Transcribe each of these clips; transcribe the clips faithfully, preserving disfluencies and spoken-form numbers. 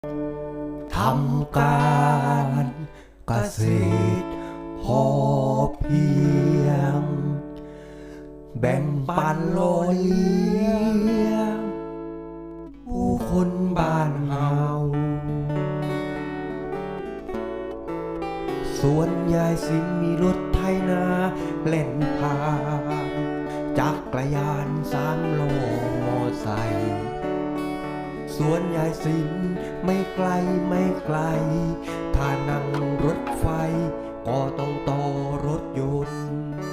ทำการเกษตรพอเพียงแบ่งปันโลยเลี้ยงผู้คนบ้านเฮาส่วนยายสินมีรถไถนาเล่นผ่านจักรยานสามโลมอไซค์ส่วนยายสินไม่ไกลไม่ไกลถ้านั่งรถไฟก็ต้องต่อรถยนต์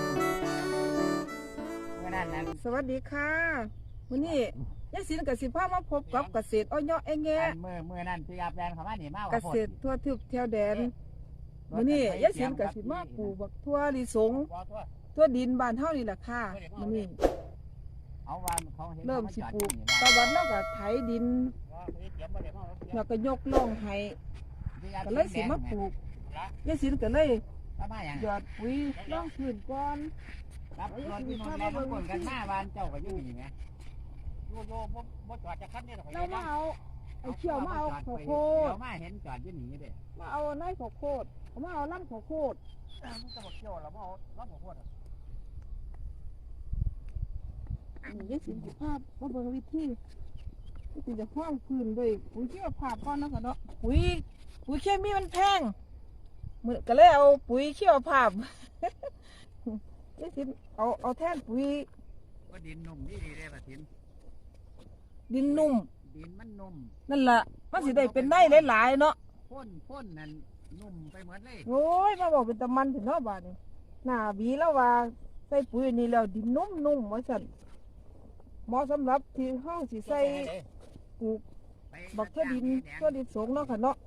สวัสดีค่ะวันนี้ยายสินกับสิพามาพบกับเกษตรอ้อยเองแงะเมื่อเมื่อนั้นพี่อาบแดนเขามาหนีมาเกษตรทั่วทิพย์เที่ยวแดนวันนี้ยายสินกับสิมาปลูกบักทั่วลิสงทั่วดินบ้านเฮานี่แหละค่ะวันนี้เริ่มสิปลูกตะวันแล้วก็ไถดินแล้วก็ยกล่องให้ก็เลยสิมาปลูกยายสินก็เลยหยอดปุ๋ยล่องพื้นก่อนรับรถที่นนท์แล้วมันคนกันหน้าบ้านเจ้าก็อยู่นี่ไงโยโย่บ่บ่จอดจะคันนี่หรอกเรามาเอาไอ้เชี่ยวมาเอาข้าวโพดเดี๋ยวมาเห็นจอดอยู่นี่เด้มาเอาไร่ข้าวโพดมาเอาลำข้าวโพดมันจะบอกเกี่ยวแล้วมาเอารับหัวโคตรนี่ยายสินสิภาพมาเบิ่งวิธีวิธีจะห้องพื้นด้วยปุ๋ยชีวภาพก่อนนะค่ะเนาะปุ๋ยปุ๋ยเคมีมันแพงมื้อก็เลยเอาปุ๋ยชีวภาพยายสินเอาเอาแทนปุ๋ยก็ดินนุ่มดีดีเลยป่ะทินดินนุ่มดินมันนุ่มนั่นล่ะมันสิได้เป็นได้หลายๆเนาะพ่นพ่นนั่นนุ่มไปหมดเลยโอ้ยมาบอกเป็นตะมันถึงเนาะบาดนี้หน้าบีแล้วว่าใส่ปุ๋ยนี่แล้วดินนุ่มๆว่าซั่นเหมาะสำหรับที่เฮาสิใส่ปลูกบักทั่วดินทั่วดินสงเนาะค่ะเนาะ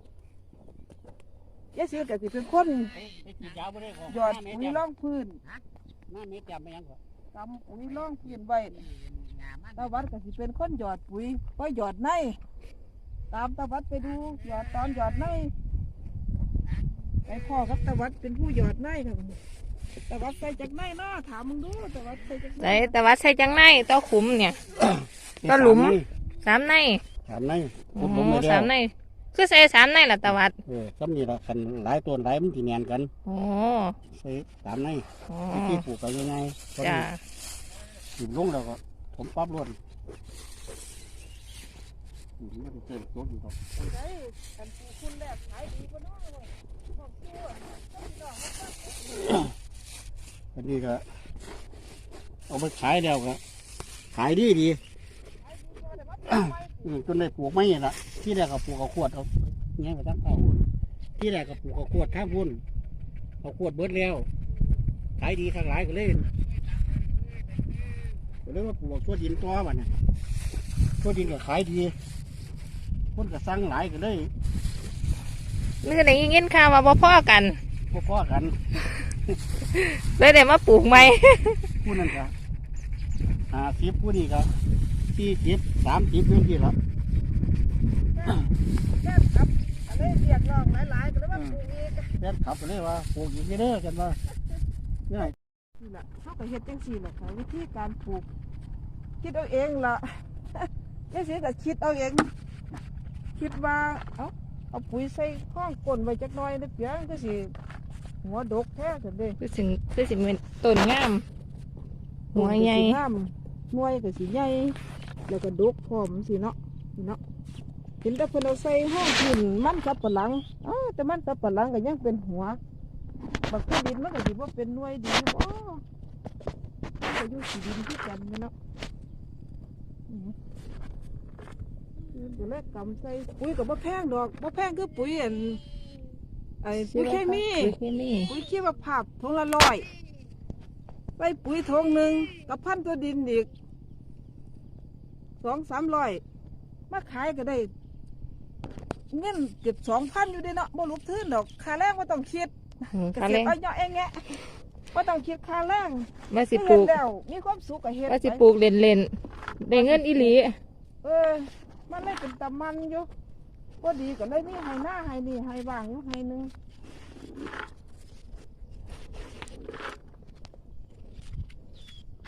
ยายสินก็สิเป็นคนหยอดปุ๋ยร่องพื้นน้าเม็ดจำไปยังก่อนกำปุ๋ยร่องพื้นไว้ตาวัดก็สิเป็นคนหยอดปุ๋ยไว้หยอดในตามตาวัดไปดูหยอดตอนหยอดในไอ้พ่อกับตาวัดเป็นผู้หยอดในค่ะตาวัดใส่จากในเนาะถามมึงดูตาวัดใส่จากในใส่แต่ว่าใส่จังในต่อขุมเนี่ยต่อหลุมสามในสามในโอ้ผมโหไม่ได้สามในคือใส่สามในล่ะตะวัดเออซ้ำนี่ละคันหลายตัวหลายมันที่แนนกันโอ้ใส่สามในโอ้ที่ปลูกไปยังไงตอนจ้านี้ถึงลงแล้วก็ผมปั๊บรวดอืมไม่ได้เจอตัวอยู่หรอกไอ้กันปูคุณแรกขายดีกว่าน้อยเลยขอบคุณอ่ะต้องดอกมาอันนี้ก็เอาไปขายแล้วก็ขายดีดีอืมจนได้ปลูกไม่ละที่แรกก็ปลูกเอาขวดเอาเงี้ยไปตั้งเก้าหุ่นที่แรกก็ปลูกเอาขวดท่าพุ่นเอาขวดเบิดแล้วขายดีทางหลายก็เลยก็เลยว่าปลูกตัวดินตัวมันน่ะตัวดินก็ขายดีคนก็สั่งหลายก็เลยนี่ก็ได้ยินข่าวว่าบ่พอกันพพอกันเลยได้มาปลูกใหม่ผู้นั้นก็หาสิบผู้นี้ก็สี่สิบสามสิบนี่ที่ละแค่ครับอะไรเรียกร้องหลายๆก็เลยว่าปลูกอีกแฟนขับไปเลยว่าปลูกอีกเด้อกันว่าเนี่ยนี่แหละเขาก็เฮ็ดจังซี่แหละค่ะวิธีการปลูกคิดเอาเองล่ะ ยายสิก็คิดเอาเอง คิดว่าเอาเอาปุ๋ยใส่ข้องก้นไว้จักหน่อยเด้อเพียงก็สิหัวดกแท้ซั่นเด้คือสิคือสิเป็นต้นงาม หัวใหญ่ต้นก็สิงามหน่วยก็สิใหญ่แล้วก็ดกพร้อมสิเนาะนี่เนาะเห็นแต่เพิ่นเอาใส่ห้องพื้นมันสับปะหลังอ้าแต่มันสับปะหลังก็ยังเป็นหัวบักที่ดินมันก็สิบ่เป็นหน่วยดีบ่มันก็อยู่สีดินที่กันนี่เนาะอือตัวแรกกำใส่ปุ๋ยก็บ่แพงดอกบ่แพงคือปุ๋ยอันไอ้ปุ๋ยเคมีปุ๋ยเคมีปุ๋ยชีวภาพถุงละร้อยใส่ปุ๋ยถุงหนึ่งกับพันตัวดินอีกสองสามร้อยมาขายก็ได้เงินเก็บสองพันอยู่เด้เนาะบ่ลุกทื่นดอกค่าแรงบ่ต้องคิดอืมเกค่าษแรตงรเอาเนาะเองแงะบ่ต้องคิดค่าแรงว่าสิปเฮ็ลูดกแล้วมีความสุขก็เฮ็ดว่าสิไปปลูกเล่นๆได้เงินอีหลีเออมันเลยเป็นตะมันอยู่บ่ดีก็เลยมีให้หน้าให้นี่ให้ว่างอยู่ให้หนึง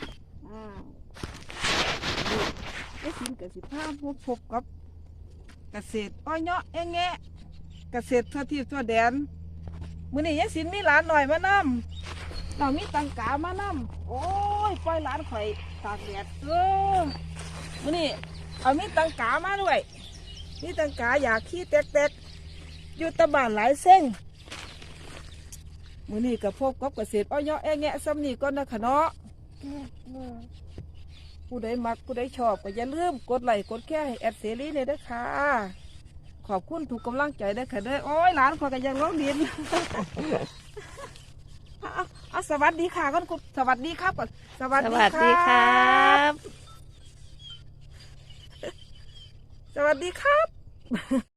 อ้าว ไอ้สินกับสิบห้าพบพบกับเกษตรอ้อยเนาะแอะแงะเกษตรทั่วที่ทั่วแดนมื้อนี้ยายสินมีหลานหน่อยมานำเรามีตังกามานำโอ้ยปล่อยหลานข่อยตากแดดเออมื้อนี้เอามีตังกามาด้วยมีตังกาอยากขี้แตกๆอยู่ตะบ้านหลายเส้งมื้อนี้ก็พบกับเกษตรอ้อยเนาะแอะแงะซ้ำนี้ก่อนนะคะเนาะผู้ใดมักผู้ใดชอบก็อย่าลืมกดไลค์กดแชร์ให้แอดเสรีเลยเด้อค่ะ ขอบคุณทุกกำลังใจเด้อค่ะเด้อโอ้ยหลานขอยก็ยังร้องดิน เอาเอาเอาสวัสดีค่ะก่อนคุณสวัสดีครับก่อนสวัสสดีวัสดีครับสวัสดีครับ